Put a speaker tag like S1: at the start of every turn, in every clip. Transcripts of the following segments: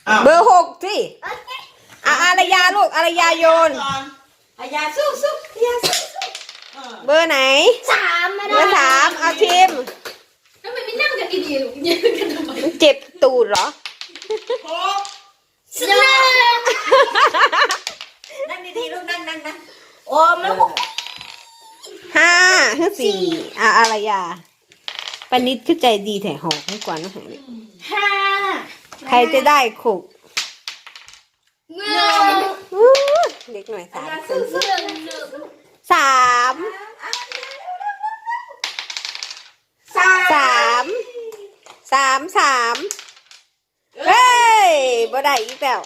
S1: เบอร์6สิอารยาลูกอารยาโยน
S2: อายาสู้อายาสู้
S1: เบอร์ไหน
S2: 3
S1: เบอร์3เอาทีม
S3: ทำไมไม่นั่งกันดีๆลูกยืนกันทำไม
S1: เจ็บตูดเหรอ
S2: นั่งดีๆลูกนั่งโอ้ไม่
S1: 5 4อารยาปนิดคือใจดีแถหอกให้กว่าน้องหายใครจะได้ขุกเด็กหน่อย3 เฮ้ยบ่ได้อีกแล้ว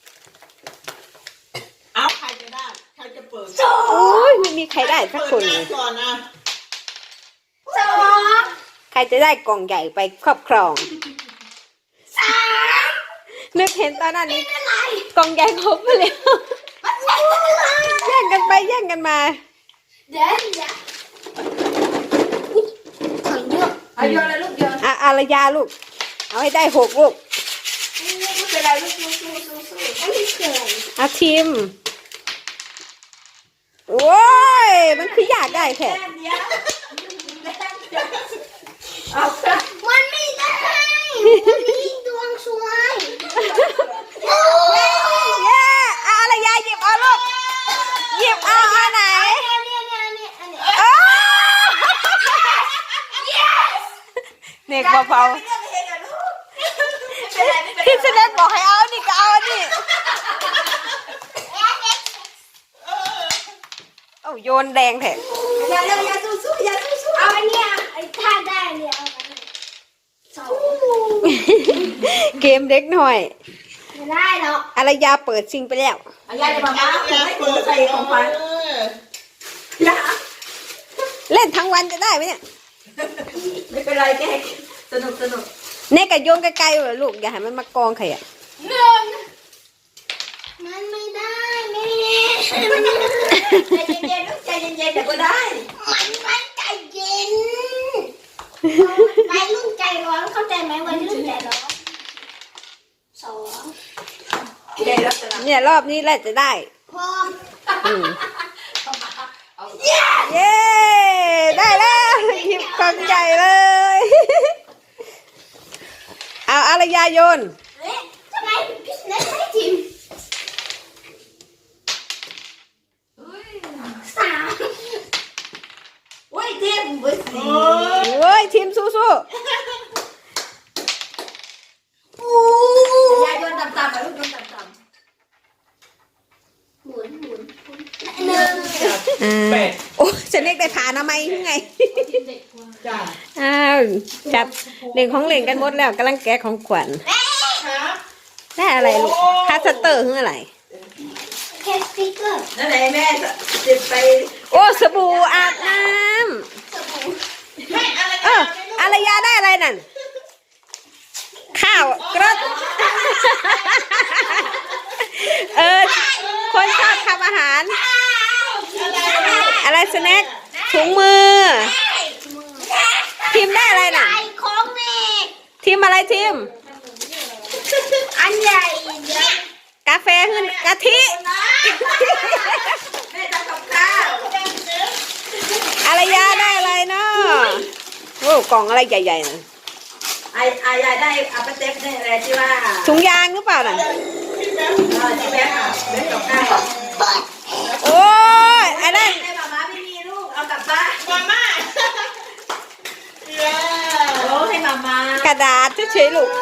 S4: เอาใครจะได้ใครจะเปิด
S1: โอ้ยไม่มีใครได้สักคนเลยใครจะได้กล่องใหญ่ไปครอบครองนึกเห็นตอนนั้นนี้กล่องใหญ่ครบไปแล้วแย่งกันไปแย่งกันมา
S2: เอาโยนเลยลูกโยน
S1: อารยาลูกเอาให้ได้6ลูก
S2: ไม่เป็นไรลูกสู้ไม่เกิน
S1: เอาทีมโอ้ยมันคืออยากได้แท้
S2: มันไม่ได้มีดวงสวย
S1: เย้อารยาหยิบเอาลูกหยิบเอาอันไหนเด็กเบาๆพี่เสด็จบอกให้เอานี่ก็เอานี่โอ้โยนแดงแท้
S2: อย่าสู้เอาอันเนี้ยไอ้ท่าได้เนี่ยเอาอันนี้
S1: เกมเด็กหน่อย
S2: ไม่ได้หรอก
S1: อารยาเปิดซิงไปแล้ว
S2: อายาจะมาบ้าให้คนใส่ของขวัญ
S1: เล่นทั้งวันจะได้ไหมเนี่ย
S2: ไม่เป็นไรแกสนุก
S1: เน่กโยนไกลๆเลยลูกอย่าให้มันมากองใครอ่ะ
S2: มันไม่ได้แม่ใจเย็นๆลูกใจเย็นๆเดี๋ยวก็ได้มันไม่ใจเย็นวัยรุ่นใจร้อนเข้าใจไหมวัยรุ่นใจร้อน2
S1: เนี่ยรอบนี้แหละจะได้
S2: พอ
S1: เย้ได้แล้วหยิบกล่องใหญ่เลยเอาอารยาโยน
S2: ทำไมพี่เล็กไม่จิ้ม3โอ้ยทีมเบอร์4
S1: โอ้ยทีมสู้
S2: อย่าโยนต่ำๆลูกโยนต่ำๆหมุน1
S1: โอ้จะเล็กได้ผ่านทำไมยังไงอ้าวจับเล่นของเล่นกันหมดแล้วกำลังแกะของขวัญได้อะไรลูกคัสเตอร์คืออะไร
S2: แค่สติ๊กเกอร์นั่นแหละแม่จิบไป
S1: โอ้สบู่อาบน้ำอารยาได้อะไรนั่นข้าวกระคนชอบทำอาหารอะไรสแน็คถุงมือทีมได้อะไรน่ะ
S2: ของแม่
S1: ทีมอะไรทีม
S2: อันใหญ่
S1: กาแฟขึ้นกะทิ
S2: แม่ทำกับข้าว
S1: อารยาได้อะไรเนาะโอ้กล่องอะไรใหญ่ๆน่ะ
S2: อายาได้อัปเตปได้อะไรที่ว่า
S1: ถุงยางหรือเปล่าน่ะ
S2: ที่แม่แม่กับข้าว
S1: โอ้ยอันนั้น
S2: ให้มาไม่มีลูกเอากลับบ้านมาโอ้ให้มาก
S1: ระดาษเฉยๆลูก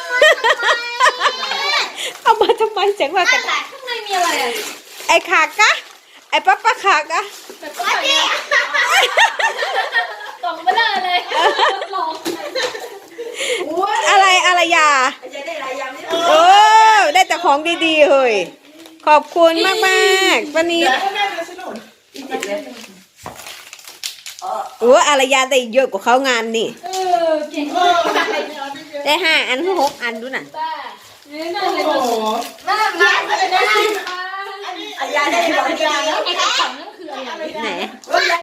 S1: เอามาทำไมเสียงว่ากระดาษ
S3: ข้างในมีอะไรอ่ะ
S1: ไอ้ขากะไอ้ป๊าขากะ
S3: กล่องเบลอเลยหลอก
S1: อะไรอารยาโอ้ได้แต่ของดีๆเฮ้ยขอบคุณมากๆวันนี้โอ้อารยาได้เยอะกว่าเขางานนี่
S3: เก่ง
S1: ได้5 อัน6 อันดูน่ะ
S3: น่าเลยน่า
S2: อายาได้ของดี
S3: ไอ้กระป๋องนั่นคืออะไร
S1: ไหน